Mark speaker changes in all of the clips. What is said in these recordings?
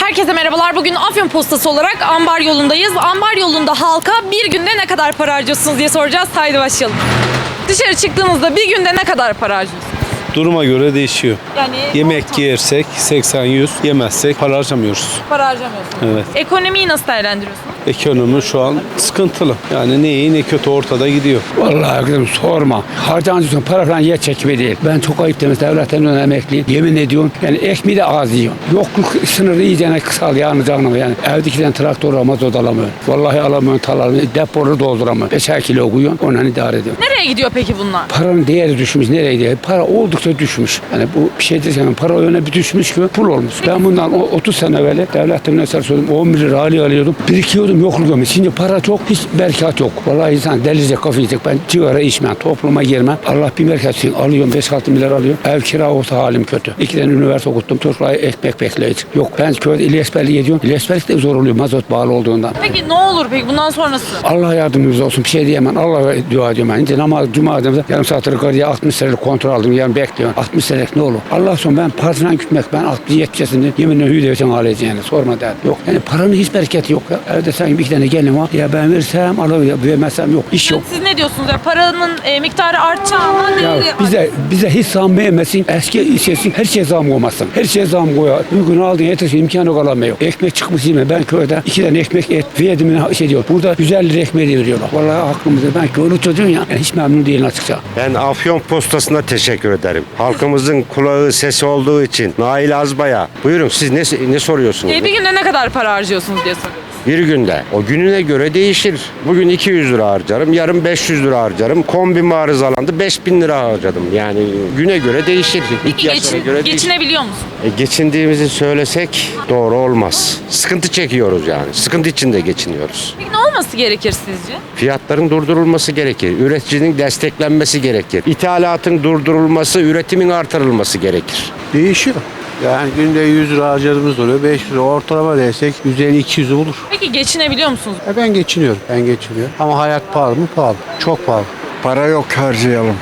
Speaker 1: Herkese merhabalar. Bugün Afyon Postası olarak Ambar yolundayız. Ambar yolunda halka bir günde ne kadar para harcıyorsunuz diye soracağız. Haydi başlayalım. Dışarı çıktığınızda bir günde ne kadar para harcıyorsunuz?
Speaker 2: Duruma göre değişiyor.
Speaker 1: Yani
Speaker 2: Yemek yersek 80-100, yemezsek para harcamıyoruz.
Speaker 1: para harcamıyorsunuz.
Speaker 2: Evet.
Speaker 1: Ekonomiyi nasıl değerlendiriyorsunuz?
Speaker 2: Ekonomi şu an sıkıntılı. Yani ne iyi ne kötü ortada gidiyor.
Speaker 3: Vallahi kızım sorma. Harcancısın para falan yer çekimi değil. Ben çok ayıp demiş devletten emekliyim. Yemin ediyorum yani ekmeği de az yiyorum. Yokluk sınırı iyicene kısal yani canım yani. Evdekinden traktör alamaz o da alamıyor. Vallahi alamıyorum talamıyorum. Depoları dolduramıyor. 5'er kilo koyuyorum ondan idare ediyorum.
Speaker 1: Nereye gidiyor peki bunlar?
Speaker 3: Paranın değeri düşmüş. Nereye gidiyor? Para oldukça düşmüş. Yani bu bir şey desem para öyle bir düşmüş ki pul olmuş. Ben bundan 30 sene evvel devletten mesela söyledim 11 lira alıyordum. Birikiyordum yokluk olmuş. Şimdi para çok hiç bereket yok. Vallahi insan delice kafa yiyecek. Ben sigara içmem. Topluma girmem. Allah bir bereket alıyorum. 5-6 milyar alıyorum. Ev kira olsa halim kötü. 2 tane üniversite okuttum. Çocuklara ekmek bekleyici. Yok ben köyde İlyasberlik ediyorum. İlyasberlik de zor oluyor mazot bağlı olduğundan.
Speaker 1: Peki ne olur peki bundan sonrası?
Speaker 3: Allah yardımcımız olsun. Bir şey diyemem. Allah'a dua ediyorum ben. İnce namaz, cuma adımda yarım saat yukarıya 60 senelik kontrol aldım. Yani bekliyorum. 60 senelik ne olur? Allah son ben partinden gitmek. Ben 60-70 yaşında yeminle hüyü ağlayacağım yani. Sorma derdim. Yok. Yani paranın hiç bereketi yok. Ya. Evde sanki bir tane gelin var. Ya ben versem alır. Vermezsem yok. İş yok.
Speaker 1: Siz ne diyorsunuz? Ya paranın miktarı artacağına
Speaker 3: Ya
Speaker 1: değeri
Speaker 3: bize hiç zam vermesin. Eski işesin. Her şeye zam koymasın. Her şeye zam koyar. Bugün aldığın yetişir imkanı yok alamıyor. Ekmek çıkmış yeme. Ben köyde 2 tane ekmek et verdim şey diyor. Burada 150 lira ekmeği veriyorlar. Vallahi aklımızda. Ben köylü çocuğum ya. Yani hiç memnun değilim açıkça.
Speaker 4: Ben Afyon Postası'na teşekkür ederim. Halkımızın kulağı sesi olduğu için. Nail Azbay'a. Buyurun siz ne soruyorsunuz?
Speaker 1: Bir günde ne kadar para harcıyorsunuz diye soruyoruz.
Speaker 4: Bir günde. O gününe göre değişir. Bugün 200 lira harcarım. Yarın 500 lira harcarım. Kombi arızalandı 5000 lira harcadım. Yani güne göre değişir.
Speaker 1: Peki
Speaker 4: İhtiyaçlara göre değişir.
Speaker 1: geçinebiliyor musunuz?
Speaker 4: Geçindiğimizi söylesek doğru olmaz. Sıkıntı çekiyoruz yani. Sıkıntı içinde geçiniyoruz.
Speaker 1: Peki ne olması gerekir sizce?
Speaker 4: Fiyatların durdurulması gerekir. Üreticinin desteklenmesi gerekir. İthalatın durdurulması, üretimin artırılması gerekir.
Speaker 5: Değişiyor. Yani günde 100 lira harcadığımız oluyor. 500 lira ortalama desek 150-200'ü bulur.
Speaker 1: Peki geçinebiliyor musunuz?
Speaker 5: Ben geçiniyorum. Ben geçiniyorum. Ama hayat pahalı mı? Pahalı. Çok pahalı.
Speaker 6: Para yok harcayalım.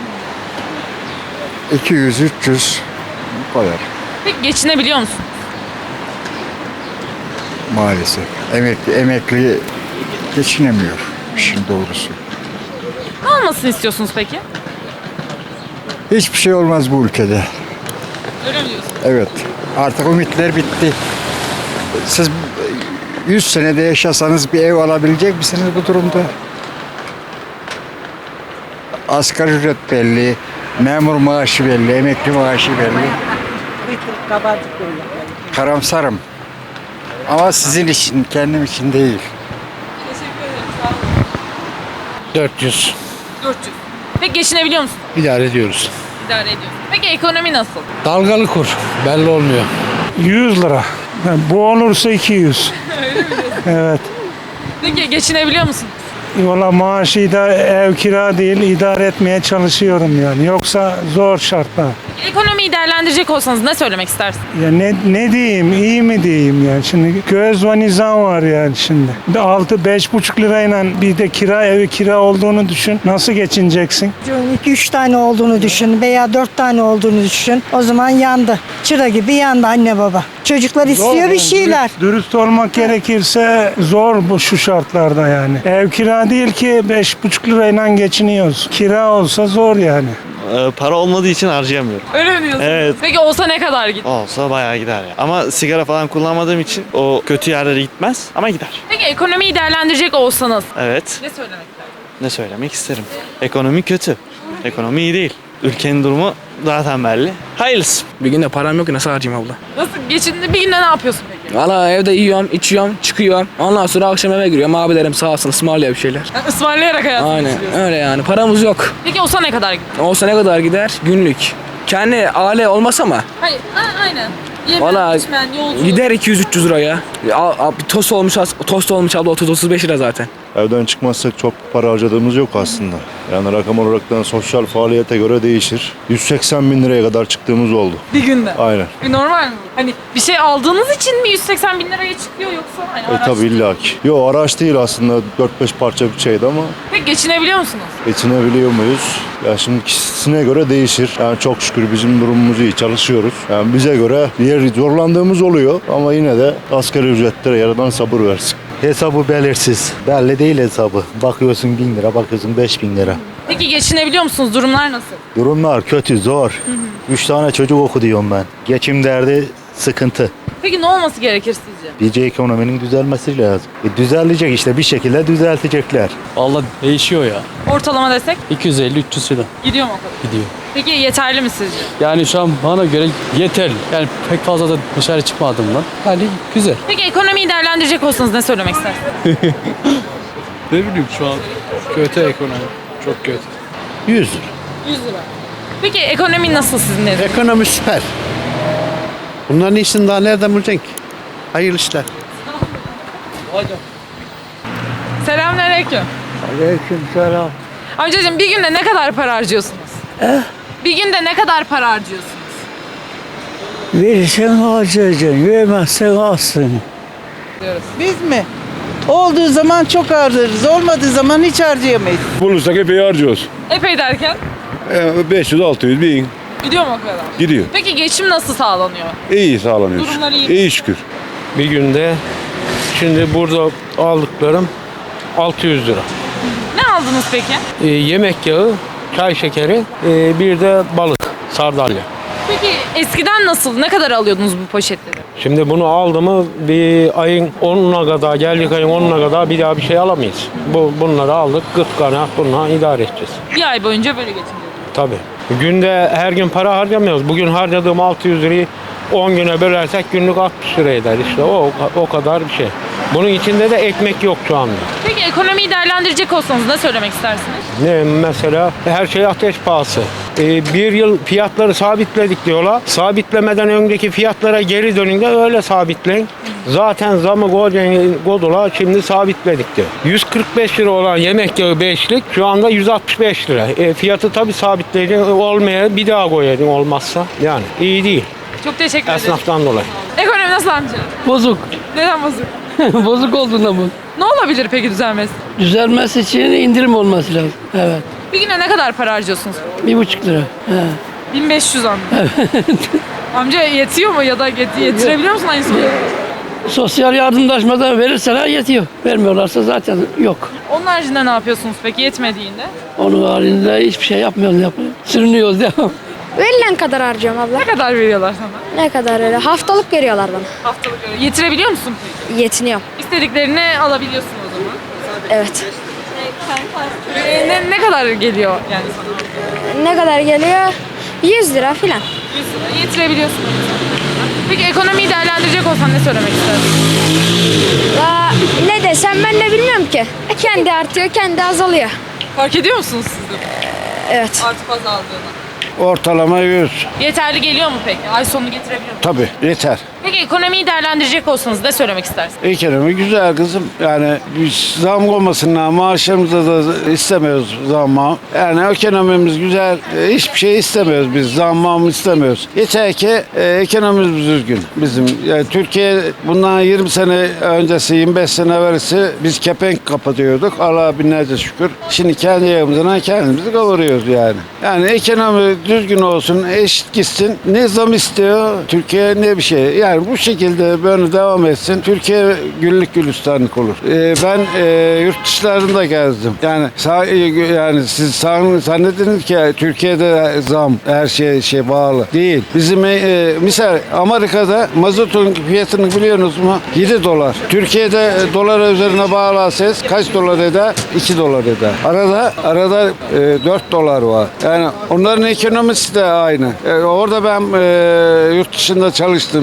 Speaker 6: 200, 300 bu kadar
Speaker 1: Peki geçinebiliyor musunuz?
Speaker 6: maalesef. Emekli geçinemiyor işin doğrusu.
Speaker 1: Ne olmasını istiyorsunuz peki?
Speaker 6: Hiçbir şey olmaz bu ülkede.
Speaker 1: Öyle mi diyorsunuz?
Speaker 6: Evet. Artık ümitler bitti. Siz 100 senede yaşasanız bir ev alabilecek misiniz bu durumda? Asgari ücret belli, memur maaşı belli, emekli maaşı belli. Karamsarım. Ama sizin için, kendim için değil.
Speaker 1: Teşekkür ederim. Sağ olun.
Speaker 5: 400.
Speaker 1: 400. Peki geçinebiliyor musunuz?
Speaker 5: İdare ediyoruz.
Speaker 1: İdare ediyorsunuz. Peki ekonomi nasıl?
Speaker 5: Dalgalı kur. Belli olmuyor.
Speaker 7: 100 lira. Bu olursa 200. Evet.
Speaker 1: Peki geçinebiliyor musunuz?
Speaker 7: Valla maaşı da ev kira değil idare etmeye çalışıyorum yani. Yoksa zor şartlar.
Speaker 1: Ekonomiyi değerlendirecek olsanız ne söylemek istersiniz?
Speaker 7: Ya ne diyeyim, iyi mi diyeyim yani. Şimdi göz ve nizam var yani şimdi. 5,5 lirayla bir de evi kira olduğunu düşün. Nasıl geçineceksin?
Speaker 8: 2-3 tane olduğunu düşün veya 4 tane olduğunu düşün. O zaman yandı. Çıra gibi yandı anne baba. Çocuklar istiyor
Speaker 7: Zor
Speaker 8: bir
Speaker 7: yani.
Speaker 8: şeyler.
Speaker 7: Dürüst olmak gerekirse zor bu şu şartlarda yani. Ev kira değil ki 5,5 lirayla geçiniyoruz. Kira olsa zor yani.
Speaker 9: Para olmadığı için harcayamıyorum.
Speaker 1: Öyle mi diyorsunuz?
Speaker 9: Evet.
Speaker 1: Peki olsa ne kadar gider?
Speaker 9: Olsa bayağı gider ya. Ama sigara falan kullanmadığım için o kötü yerlere gitmez ama gider.
Speaker 1: Peki ekonomiyi değerlendirecek olsanız
Speaker 9: Evet.
Speaker 1: ne söylemek istersiniz?
Speaker 9: Ne söylemek isterim? Ekonomi kötü. Ekonomi iyi değil. Ülkenin durumu zaten belli. Hayırlısı.
Speaker 10: Bir günde param yok ki nasıl harcayayım abla?
Speaker 1: Nasıl geçindi? Bir günde ne yapıyorsun peki?
Speaker 10: Valla evde yiyorum, içiyorum, çıkıyorum. Ondan sonra akşam eve giriyorum. Abilerim sağ olsun ısmarlıyor bir şeyler.
Speaker 1: Yani ısmarlayarak hayatını
Speaker 10: Aynen
Speaker 1: geçiriyorsun.
Speaker 10: öyle yani. Paramız yok.
Speaker 1: Peki olsa ne kadar gider?
Speaker 10: Olsa ne kadar gider? Günlük. Kendi aile olmasa mı?
Speaker 1: Hayır, aynen. Yemen,
Speaker 10: Valla
Speaker 1: içmen, yolculuk.
Speaker 10: gider 200-300 liraya. Bir tost olmuş abla 30-35 lira zaten.
Speaker 11: Evden çıkmazsak çok para harcadığımız yok aslında. Yani rakam olaraktan sosyal faaliyete göre değişir. 180 bin liraya kadar çıktığımız oldu.
Speaker 1: Bir günde.
Speaker 11: Aynen.
Speaker 1: Normal mi? Hani bir şey aldığınız için mi 180 bin liraya çıkıyor yoksa hani araç?
Speaker 11: Tabii illaki. Yo, araç değil aslında, 4-5 parça bir şeydi ama
Speaker 1: Peki geçinebiliyor musunuz?
Speaker 11: geçinebiliyor muyuz? Ya şimdi kişisine göre değişir. Yani çok şükür bizim durumumuz iyi, çalışıyoruz. Yani bize göre diğer zorlandığımız oluyor ama yine de asgari ücretlere yaradan sabır versin.
Speaker 12: Hesabı belirsiz. Belli değil hesabı. Bakıyorsun 1000 lira, bakıyorsun 5000 lira.
Speaker 1: Peki geçinebiliyor musunuz? Durumlar nasıl?
Speaker 12: Durumlar kötü, zor. 3 tane çocuk okutuyorum ben. Geçim derdi sıkıntı.
Speaker 1: Peki ne olması gerekir sizce?
Speaker 12: Diyece ekonominin düzelmesi lazım. Düzelecek işte, bir şekilde düzeltecekler.
Speaker 2: Vallahi değişiyor ya.
Speaker 1: Ortalama desek
Speaker 2: 250-300 lira
Speaker 1: gidiyor mu o kadar?
Speaker 2: gidiyor.
Speaker 1: Peki yeterli mi sizce?
Speaker 2: Yani şu an bana göre yeterli. Yani pek fazla da dışarı çıkmadığımdan. Yani güzel.
Speaker 1: Peki ekonomiyi değerlendirecek olsanız ne söylemek istersiniz?
Speaker 2: Ne bileyim şu an kötü ekonomi. Çok kötü.
Speaker 12: 100 lira.
Speaker 1: 100 lira. Peki ekonomi nasıl sizin nezdinizde?
Speaker 5: Ekonomi süper. Bunların iyisini daha nereden bulacaksın ki? Hayırlı işler.
Speaker 1: Selamünaleyküm.
Speaker 5: Aleykümselam.
Speaker 1: Amcacığım bir günde ne kadar para harcıyorsunuz? Bir günde ne kadar para harcıyorsunuz?
Speaker 5: Verirsen harcayacaksın, vermezsen alsın.
Speaker 13: Biz mi? Olduğu zaman çok harcarız. Olmadığı zaman hiç harcayamayız.
Speaker 3: Bulursak epey harcıyoruz.
Speaker 1: Epey derken
Speaker 3: 500-600 bin
Speaker 1: gidiyor mu o kadar?
Speaker 3: gidiyor.
Speaker 1: Peki geçim nasıl sağlanıyor?
Speaker 3: İyi sağlanıyor.
Speaker 1: Durumlar iyi.
Speaker 3: İyi şükür.
Speaker 5: Bir günde şimdi burada aldıklarım 600 lira.
Speaker 1: Ne aldınız peki?
Speaker 5: Yemek yağı, çay şekeri, bir de balık, sardalya.
Speaker 1: Peki eskiden nasıl? Ne kadar alıyordunuz bu poşetleri?
Speaker 5: Şimdi bunu aldı mı bir ayın 10'una kadar, geldik ayın 10'una kadar bir daha bir şey alamayız. Bunları aldık, 40 tane bununla idare edeceğiz.
Speaker 1: Bir ay boyunca böyle geçiniyorsunuz.
Speaker 5: Tabii. Günde her gün para harcamıyoruz. Bugün harcadığım 600 lirayı 10 güne bölersek günlük 60 lira eder. İşte o kadar bir şey. Bunun içinde de ekmek yok şu anda.
Speaker 1: Peki ekonomiyi değerlendirecek olsanız ne söylemek istersiniz?
Speaker 5: Ne mesela? Her şey ateş pahası. Bir yıl fiyatları sabitledik diyorlar. Sabitlemeden önceki fiyatlara geri dönün de öyle sabitleyin. Zaten zamı kodular şimdi sabitledik diyor. 145 lira olan yemek yağı 5'lik şu anda 165 lira. Fiyatı tabii sabitleyecek olmaya bir daha koyacak olmazsa. Yani iyi değil.
Speaker 1: Çok teşekkür ederim.
Speaker 5: Esnaftan dolayı.
Speaker 1: Ekonomi nasıl amca?
Speaker 10: Bozuk.
Speaker 1: Neden bozuk?
Speaker 10: Bozuk olduğunda bu.
Speaker 1: Ne olabilir peki düzelmesi?
Speaker 10: Düzelmesi için indirim olması lazım. Evet.
Speaker 1: Bir güne ne kadar para harcıyorsunuz?
Speaker 10: 1,5 lira.
Speaker 1: 1500 amca. Amca yetiyor mu ya da yetirebiliyor musun aynı soruyu?
Speaker 10: Sosyal yardımlaşmadan verirseler yetiyor. Vermiyorlarsa zaten yok.
Speaker 1: Onun haricinde ne yapıyorsunuz peki yetmediğinde?
Speaker 10: Onun halinde hiçbir şey yapmıyoruz. Sürünüyoruz devam.
Speaker 14: Verilen kadar harcıyorum abla.
Speaker 1: Ne kadar veriyorlar sana?
Speaker 14: Ne kadar öyle? Haftalık veriyorlar bana.
Speaker 1: Haftalık öyle. Yetirebiliyor musun peki?
Speaker 14: Yetiniyorum.
Speaker 1: İstediklerini alabiliyorsun o zaman.
Speaker 14: Evet.
Speaker 1: Ne kadar geliyor yani sana?
Speaker 14: Ne kadar geliyor? 100 lira filan.
Speaker 1: 100 lira. Yetirebiliyorsun. Peki ekonomiyi değerlendirecek olsan ne söylemek istersin?
Speaker 14: Ne desem ben de bilmiyorum ki. Kendi artıyor, kendi azalıyor.
Speaker 1: Fark ediyor musunuz siz de?
Speaker 14: Evet.
Speaker 1: Artıp azaldığını.
Speaker 5: Ortalama 100.
Speaker 1: Yeterli geliyor mu peki? Ay sonunu getirebiliyor mu?
Speaker 5: Tabii yeter.
Speaker 1: Peki ekonomiyi değerlendirecek olsanız ne söylemek istersiniz?
Speaker 5: Ekonomi güzel kızım. Yani biz zam olmasından maaşlarımıza da istemiyoruz zamma. Yani ekonomimiz güzel. Hiçbir şey istemiyoruz biz. Zammamı istemiyoruz. Yeter ki ekonomimiz düzgün bizim. Yani Türkiye bundan 20 sene öncesi, 25 sene evvelsi biz kepenk kapatıyorduk. Allah'a binlerce şükür. Şimdi kendi yerimizden kendimizi kavuruyoruz yani. Yani ekonomi düzgün olsun, eşit gitsin. Ne zam istiyor Türkiye ne bir şey. Yani bu şekilde böyle devam etsin. Türkiye güllük gülistanlık olur. Ben yurt dışlarında gezdim. Yani siz zannediniz ki Türkiye'de zam her şey bağlı. Değil. Bizim misal Amerika'da mazotun fiyatını biliyorsunuz mu? 7 dolar. Türkiye'de dolar üzerine bağlarsanız kaç dolar eder? 2 dolar eder. Arada 4 dolar var. Yani onların ekonomisi de aynı. Orada ben yurt dışında çalıştım 15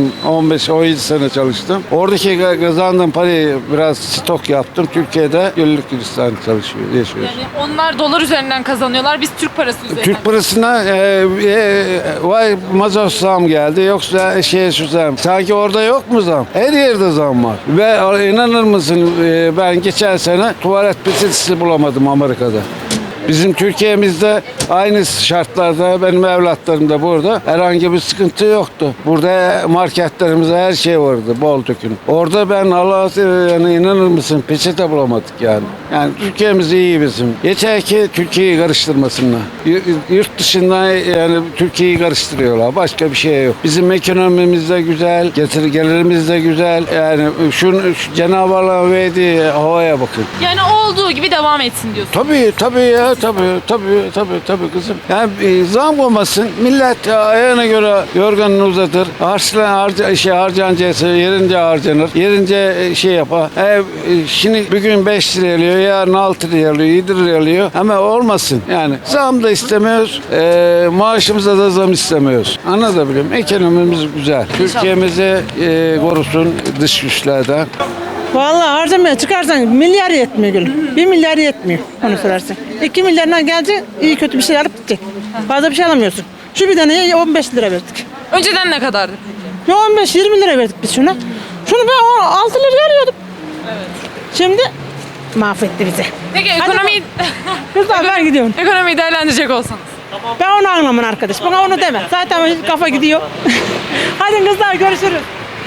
Speaker 5: 15-17 sene çalıştım. Oradaki kazandığım parayı biraz stok yaptım. Türkiye'de güllük gülistanı yaşıyoruz.
Speaker 1: Yani onlar dolar üzerinden kazanıyorlar. Biz Türk parası üzerinden.
Speaker 5: Türk parasına vay mazot zam geldi yoksa şu zam. Sanki orada yok mu zam? Her yerde zam var. Ve inanır mısın ben geçen sene tuvalet peçetesi bulamadım Amerika'da. Bizim Türkiye'mizde aynı şartlarda benim evlatlarım da burada herhangi bir sıkıntı yoktu. Burada marketlerimizde her şey vardı bol dökün. Orada ben Allah'a yani inanır mısın peçete bulamadık yani. Yani Türkiye'miz iyi bizim. Yeter ki Türkiye'yi karıştırmasınlar. Yurt dışından yani Türkiye'yi karıştırıyorlar. Başka bir şey yok. Bizim ekonomimiz de güzel, gelirimiz de güzel. Yani şu Cenab-ı Allah'ın verdiği havaya bakın.
Speaker 1: Yani olduğu gibi devam etsin diyorsun.
Speaker 5: Tabii ya tabii kızım. Yani zam olmasın. Millet ayağına göre yorganını uzatır. Harcanacaksa yerince harcanır. Yerince yapar. Şimdi bugün 5 liraya alıyor, yarın 6 liraya alıyor, 7 liraya alıyor. Ama olmasın. Yani zam da istemiyoruz. Maaşımıza da zam istemiyoruz. Anlatabiliyor muyum? Ekonomimiz güzel. Türkiye'mizi korusun dış güçlerden.
Speaker 13: Vallahi harcamaya çıkarsan milyar yetmiyor gülüm. 1 milyar yetmiyor onu sorarsan. 2 milyardan gelecek iyi kötü bir şey alıp gidecek. Fazla bir şey alamıyorsun. Şu bir taneye 15 lira verdik.
Speaker 1: Önceden ne kadardı?
Speaker 13: Ya 15-20 lira verdik biz şuna. Şunu ben 6 liraya alıyordum. Evet. Şimdi mahvetti bizi.
Speaker 1: Peki ekonomiyi...
Speaker 13: Kızlar ben gidiyorum.
Speaker 1: Ekonomiyi değerlendirecek olsanız.
Speaker 13: Ben onu anlamam arkadaş. Bana onu deme. Zaten kafa gidiyor. Hadi kızlar görüşürüz.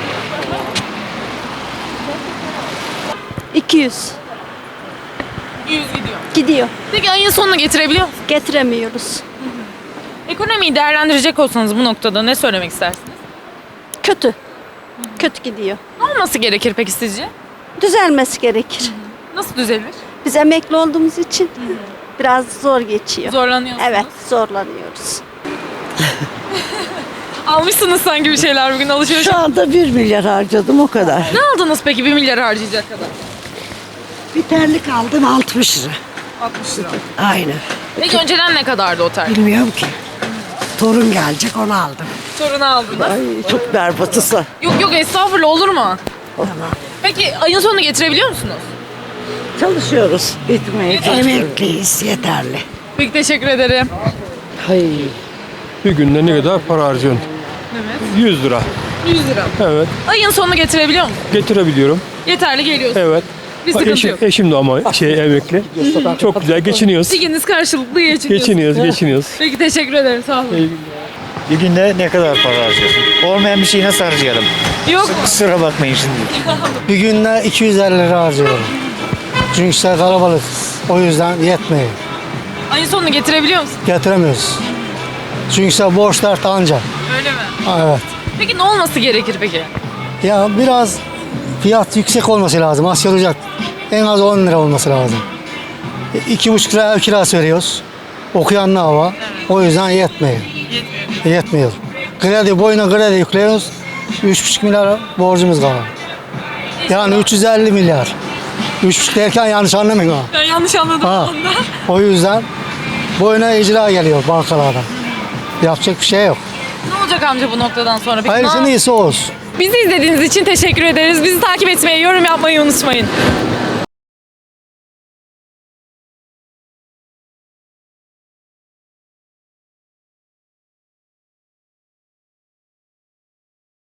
Speaker 14: 200
Speaker 1: 100 gidiyor.
Speaker 14: gidiyor.
Speaker 1: Peki ayın sonunu getirebiliyor musunuz?
Speaker 14: Getiremiyoruz.
Speaker 1: Ekonomiyi değerlendirecek olsanız bu noktada ne söylemek istersiniz?
Speaker 14: Kötü. Kötü gidiyor.
Speaker 1: Ne olması gerekir peki sizce?
Speaker 14: Düzelmesi gerekir.
Speaker 1: Nasıl düzelir?
Speaker 14: Biz emekli olduğumuz için biraz zor geçiyor.
Speaker 1: Zorlanıyorsunuz.
Speaker 14: Evet, zorlanıyoruz.
Speaker 1: Almışsınız sanki bir şeyler bugün alışveriş.
Speaker 8: Şu anda 1 milyar harcadım o kadar.
Speaker 1: Ne aldınız peki 1 milyar harcayacak kadar?
Speaker 8: Bir terlik aldım 60 lira.
Speaker 1: 60 lira.
Speaker 8: Aynen.
Speaker 1: Peki önceden ne kadardı o terlik?
Speaker 8: Bilmiyorum ki. Torun gelecek onu aldım.
Speaker 1: Sorunu aldınız.
Speaker 8: Ay çok berbatısı.
Speaker 1: Yok estağfurullah olur mu?
Speaker 8: Tamam.
Speaker 1: Peki ayın sonunu getirebiliyor musunuz?
Speaker 8: Çalışıyoruz. Gitmeye emekliyiz yeterli.
Speaker 1: Peki teşekkür ederim.
Speaker 8: Hayır.
Speaker 2: Bir günde ne kadar para harcıyorsun?
Speaker 1: Evet.
Speaker 2: 100 lira.
Speaker 1: 100 lira.
Speaker 2: Evet.
Speaker 1: Ayın sonunu getirebiliyor musunuz?
Speaker 2: Getirebiliyorum.
Speaker 1: Yeterli geliyorsun.
Speaker 2: Evet.
Speaker 1: Bir sıkıntı yok.
Speaker 2: Eşim de ama emekli. Çok güzel geçiniyoruz.
Speaker 1: İkiniz karşılıklı geçiniyorsunuz.
Speaker 2: Geçiniyoruz.
Speaker 1: Peki teşekkür ederim sağ olun.
Speaker 12: Bir günde ne kadar para harcıyorsun? Olmayan bir şeyi nasıl harcayalım?
Speaker 1: Yok mu?
Speaker 12: Kusura bakmayın şimdi.
Speaker 6: Bir günde 250 lira harcıyorum. Çünkü işte kalabalığız. O yüzden yetmiyor.
Speaker 1: Ayın sonunu getirebiliyor musun?
Speaker 6: Getiremiyoruz. Çünkü işte borç dert anca.
Speaker 1: Öyle mi?
Speaker 6: Evet.
Speaker 1: Peki ne olması gerekir peki?
Speaker 6: Ya biraz fiyat yüksek olması lazım. Asgari ücret en az 10 lira olması lazım. 2,5 lira ev kirası veriyoruz. Okuyan ne hava? O yüzden yetmiyor. Yetmiyor. Kredi boyuna kredi yüklüyoruz. 3,5 milyar borcumuz var. Yani 350 milyar. 3,5 derken yanlış anlamayın ha.
Speaker 1: Ben yanlış anladım
Speaker 6: Ha.
Speaker 1: onda.
Speaker 6: O yüzden boyuna icra geliyor bankalardan. Yapacak bir şey yok.
Speaker 1: Ne olacak amca bu noktadan sonra? Peki,
Speaker 6: Hayırlısı iyisi olsun.
Speaker 1: Bizi izlediğiniz için teşekkür ederiz. Bizi takip etmeyi, yorum yapmayı unutmayın.